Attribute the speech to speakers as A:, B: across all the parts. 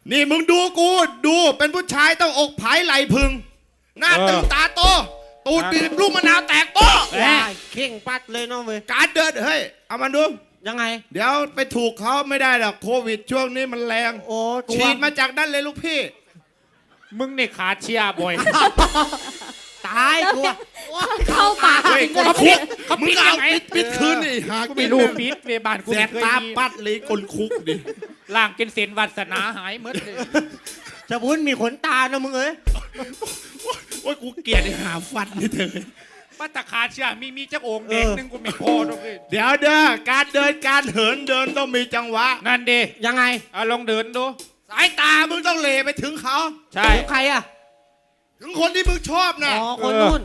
A: นี่มึงดูกูดูเป็นผู้ชายต้องอกผายไหลพึงหน้าตึงตาโตตูดบีบลูกมะนาวแตกโต
B: เข่งปัดเลยน้องเว้ย
A: การเดินเฮ้ยเอามาดู
B: ยังไง
A: เดี๋ยวไปถูกเขาไม่ได้หรอกโควิดช่วงนี้มันแรง
B: โอ้
A: ฉีดมาจากนั่นเลยลูกพี่
C: มึงนี่ขาเชียร์บ่อย
B: ตายกู
D: เข้าปาก
A: เฮ้ย
D: จริง
A: ก
D: เล
A: ด
D: ย
A: คุก
C: เขา
A: มึ
C: ปิ
A: ง
C: ด
A: เอา
C: ยังไง
A: ปิดคืนนี่หา
C: กูไม่รู้ปิดเวบานกู
A: แส
C: ไม่
A: บ
C: เคย
A: ตา
C: มี
A: ปัดเลยกลคุกดิ
C: ล่างกินเส้นวาสนาหายหมดเลย
B: จะบุญมีขนตานะมึงเอ้ย
A: โอ้ยกูเกลียดไอ้หาฟันนี่เธอ
C: ป้าตาขาเชียร์มีเจ้าองค์เด็กนึงกูไม่พอหรอกเลย
A: เดี๋ยวเด้อการเดินการเหินเดินต้องมีจังหวะ
C: นั่นดิ
B: ยังไง
C: เอาลองเดินดู
A: สายตามึงต้องเหลไปถึงเขา
C: ใช่
B: ใครอ่ะ
A: ถึงคนที่มึงชอบนะ
B: อ๋อคนนู้น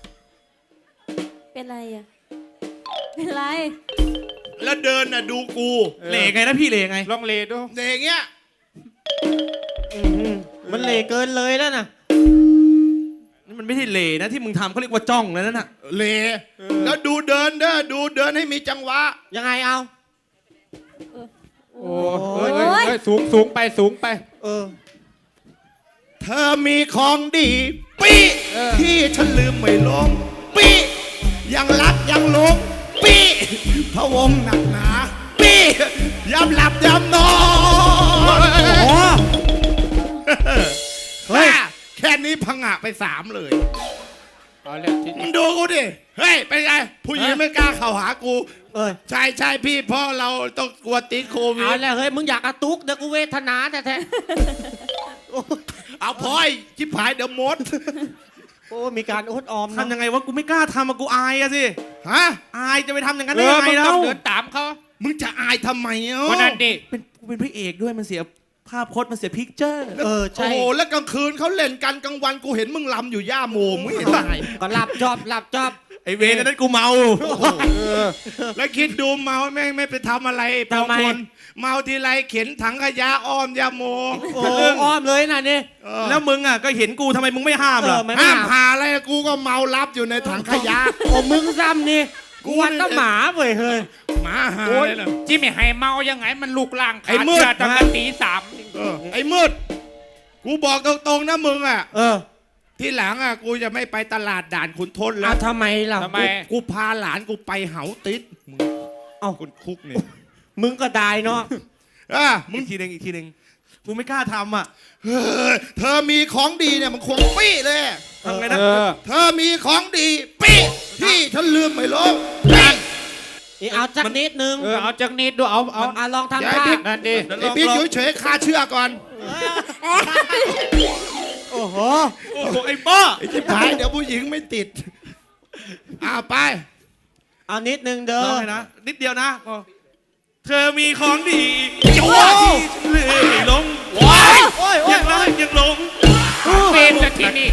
D: เป็นไรอ่ะ เป็นไร
A: แล้วเดินน่ะดูกู
E: เหล่ไงนะพี่เหล่ไง
C: ลองเลดู
A: เนี่ยอย่างเงี้ย
B: มันเหลเกินเลยแล้วนะ
E: นี่มันไม่ใช่เหล่นะที่มึงทำเขาเรียกว่าจ้องแล้วนั่นน่ะ
A: เหลแล้วดูเดินเด้อดูเดินให้มีจังหวะ
B: ยังไงเอา
C: โอ้ยสูงไป
B: เออ
A: เธอมีของดีปีที่ฉันลืมไม่ลงปียังรักยังหลงปีพะวงหนักหนาปีย้ำหลับย้ำนอน
B: โอ้
A: เฮ้ยแค่นี้พังะไป3เลย
C: เอาเลยที
A: มึ
C: นี้
A: งดูกูดิเฮ้ยเป็นไงผู้หญิงไม่กล้าเข้าหากู
B: เออ
A: ใช่พี่เพราะเราต้องกลัวติดโควิ
B: เอา
A: ด
B: แล้วเฮ้ยมึงอยากกระตุกเดี๋ยวกูเวทนาแท้
A: เอาพอยชิบหายเดี๋ยวมด
B: ๆโอ้มีการอดออมนะ
E: ทำยังไงวะกูไม่กล้าทำอะกูอายอะสิ
A: ฮะ
E: อายจะไปทำอย่างนั้น
C: เอ
E: ได้
C: อ
E: ยังไง
C: มึงต้
E: แล้
C: อ
E: ว
C: งเดินตามเขา
A: มึงจะอายทำไมอ่ะ
C: วันนั้นดิ
E: กูเป็นพระเอกด้วยมันเสียภาพพจน์มันเสียพิกเจอร์
B: เออ
A: โอ้
B: ใช่
A: โหแล้วกลางคืนเขาเล่นกันกลางวันกูเห็นมึงลำอยู่ย่าโมมึงเห็นไง
B: ก็หลับจอบหลับจอบ
E: ไอเวรนั้นกูเมา
A: แล้วคิดดูเมาแม่งไม่ไปทำอะไรปองคนเมาทีไรเข็นถังขยะอ้อมย่าโม
B: โอ้อ้อมเลยนะนี่
E: แล้วมึงอะก็เห็นกูทำไมมึงไม่ห้ามล่ะ
B: ไม่
A: ห้าม
B: หา
A: หาอะไรกูก็เมารับอยู่ในถังขยะ
B: โอ้มึงซ้ำนี่กูวันก็หมาเว้ยเฮ้ย
A: หมาหา
C: โอ้ย
A: เลยนะ
C: จิไม่ให้เมายังไงมันลูกล่าง
A: ไอ้
C: ขา
A: มืด
C: เชียร์ตั้งแต่ตี 3
A: ไอ้มืดกูบอกตรงๆนะมึงอ่ะ
B: เออ
A: ที่หลังอ่ะกูจะไม่ไปตลาดด่านขุนทนแล้
B: เอา
A: ว
B: ทำไมล่ะ
C: ทำไม
A: กูพาหลานกูไปเหาติดมึง
B: เอ้า
A: คนคุกเนี่ย
B: มึงก็ได้เนาะ
A: มึง
E: อีกทีหนึ่งกูไม่กล้าทำอะ
A: เฮ้ยเธอมีของดีเนี่ยมันควงปี้เลย
E: ทำไงนะ
C: เออ
A: เธอมีของดีปี้ที่ฉันลืมไม่ลงนั่น
B: นี่เอาจักนิดนึง
C: เอาจากนิดดูเอา
B: อ่ะลองทำ
A: อย่า
B: ท่า
A: ให้
C: นั่นดิ
A: ไอ้ปิ๊กเฉยๆคาเชือกก่อน
B: โอ้โห
E: โอ้โหไอ้ป้อ
A: ไอ้ที่ผายเดี๋ยวผู้หญิงไม่ติดไป
B: เอานิดนึงเด้
E: ล
B: อ
E: องเลยนะนิดเดียวนะเธอมีของดี
B: โอ้
E: เลยไม่หลง
B: ยโอ้ย
E: ยังรักยังหลง
C: เป็นจากที่นี่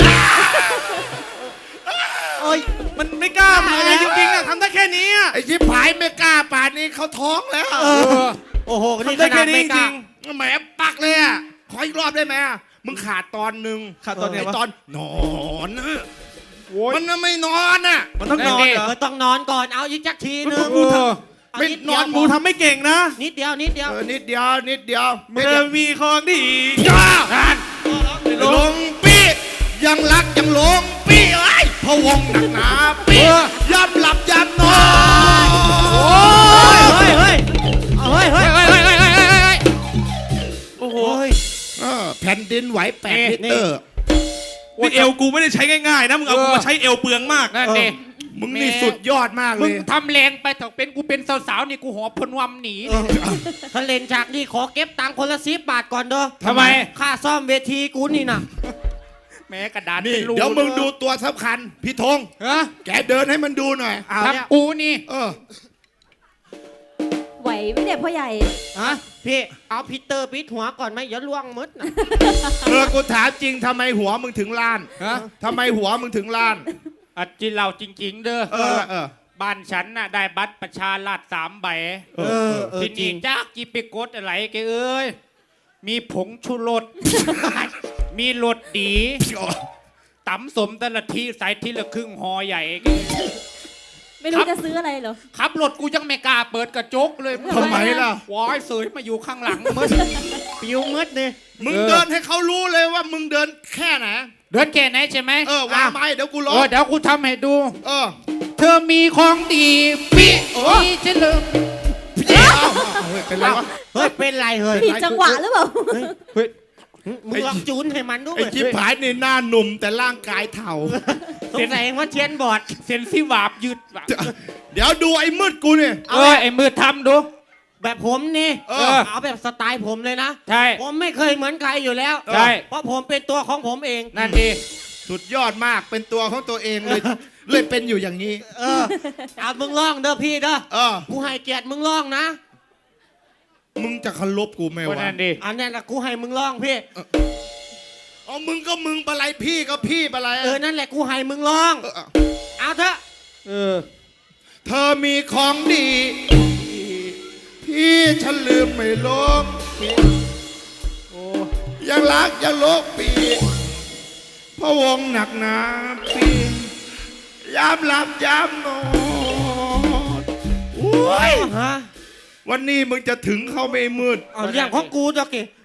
B: โอ้ย
E: มันไม่กล้าเลยจริงๆอะทำได้แค่นี้อะ
A: ไอ้ที่ผายไม่กล้าป่านนี้เขาท้องแล้ว
B: โอ้โหนี่
E: ทำได้
B: ขนา
E: แค่
B: ด
E: นี้
B: ไม่
E: จ
B: กล้า
E: ริง
A: แหมปักเลยอ่ะขออีกรอบได้ไหมมึงขาดตอนหนึ่ง
E: ขาดตอนไหนวะ
A: ไอ้ตอนนอนนะ
C: โอ้ย
A: มันน่ะไม่นอนอ่ะ
E: มันต้องนอนเหรอ
B: เออต้องนอนก่อนเอาอีกจักทีนึง
E: กูท
B: เอา
A: ไม่
B: นิด
A: น
B: เดี
A: อย น
B: ว
E: กูทำไม่เก่งนะ
B: นิดเดียวนิดเดียว
A: นิดเดียวนิดเดียว
E: เธอมีของดี
A: จ้า
E: ไม่ห
A: ล
E: ลง
A: งปี้ยังรักยังหลงปี้ไอ้ยพะวงหนักหนาปี้ย้ำหลับย้ำนอน
B: โอ้ยเฮ้ยเฮ้ยเฮ้ยเฮ้ยเฮ้ยเฮ้ยเฮ้ยเฮ้ย
E: โอ้โห
A: แผ่นดินไหว8 ลิตร
E: นี่เอวกูไม่ได้ใช้ง่ายๆนะมึงเอากูมาใช้เอวเปลืองมาก
C: นั่นดิ
A: มึงนี่สุดยอดมากเล
C: มึง
A: ย
C: ทำแรงไปถกเป็นกูเป็นสาวๆนี่กูหอบพนวมหนี
B: ถ้าเล่นฉากนี้ขอเก็บตังค์คนละ10 บาทก่อนเด้อ
C: ทำไม
B: ค่าซ่อมเวทีกูนี่นะ
C: แม้กระดาษ
A: นี่
C: เป็นรู
A: เดี๋ยวมึงดูตัวสำคัญพี่ธง
C: ฮะ
A: แกเดินให้มันดูหน่อย
B: เอาเนี่ย
C: ทำกูนี่
D: ไหวไหมเนี่ยพ่อใหญ่
B: ฮะพี่เอาพีเตอร์ปิดหัวก่อนไหมอย่าล่วงมดนะ
A: กูถามจริงทำไมหัวมึงถึงล้าน
C: ฮะ
A: ทำไมหัวมึงถึงล้าน
C: อัดจินเราจริง ๆ เด้อ
A: เออ
C: บ้านฉันน่ะได้บัตรประชาราษฎร์3 ใบ
B: เออ
C: ที
B: จริ
C: นี้
B: ง
C: จ้ากีไปกดอะไรแกเอ้ย มีผงชูรส มีรสดีตำสมแต่ละทีใส่ทีละครึ่งหอใหญ่แก
D: ไม่รู้จะซื้ออะไรเหรอ
C: ขับรถกูยังไม่กล้าเปิดกระจกเลย
A: ทำไมล่ะ
C: วายเสยมาอยู่ข้างหลังมึง
B: ปิวมืดนี่
A: มึงเดินให้เขารู้เลยว่ามึงเดินแค่ไหน
C: เดินแค่ไหนใช่ไหม
A: วางไม้เดี๋ยวกูร้อง
C: เดี๋ยวกูทำให้ดู
A: เออ
C: เธอมีของดีปิ
A: โอ้
C: ที่ฉันลืม
A: เฮ้ยเป็นไรวะ
B: เฮ้ยเป็นไรเฮ้ย
D: ผิดจังหวะหรือเปล่า
B: มึงลองจูนให้มันดู
A: ไอ้จิ๊บผายนี่หน้าหนุ่มแต่ร่างกายเถ่า
B: สงสัยว่าเทียนบอด
C: เซนซี่วาบยืดว่ะ
A: เดี๋ยวดูไอ้มืดกูเนี่ย
C: ไอ้มือทำดู
B: แบบผมนี่
C: เอา
B: แบบสไตล์ผมเลยนะ
C: ใช่
B: ผมไม่เคยเหมือนใครอยู่แล้ว
C: ใช่
B: เพราะผมเป็นตัวของผมเอง
C: นั่นดี
A: สุดยอดมากเป็นตัวของตัวเองเลย เลยเป็นอยู่อย่างนี้
B: เอามึงร้องเด้อพี่เด้อ
A: เออ
B: กูให้เกียรติมึงร้องนะ
A: มึงจะเคารพกูไหม
C: คน
A: วะ
C: นั้นดี
B: อันนี้ละกูให้มึงร้องพี่
A: เอามึงก็มึงปะไรพี่ก็พี่ปะไร
B: นั่นแหละกูให้มึงร้อง เอาเถอะ
A: เธอมีของดี พี่ฉันลืมไม่ลงยังรักยังโลกปีพะวงหนักหนาปียามหลับยามนอนโอ้ย
B: ฮะ
A: วันนี้มึงจะถึงเขาไม่มืด
B: เอาเรื่องของกูจ้ะกี่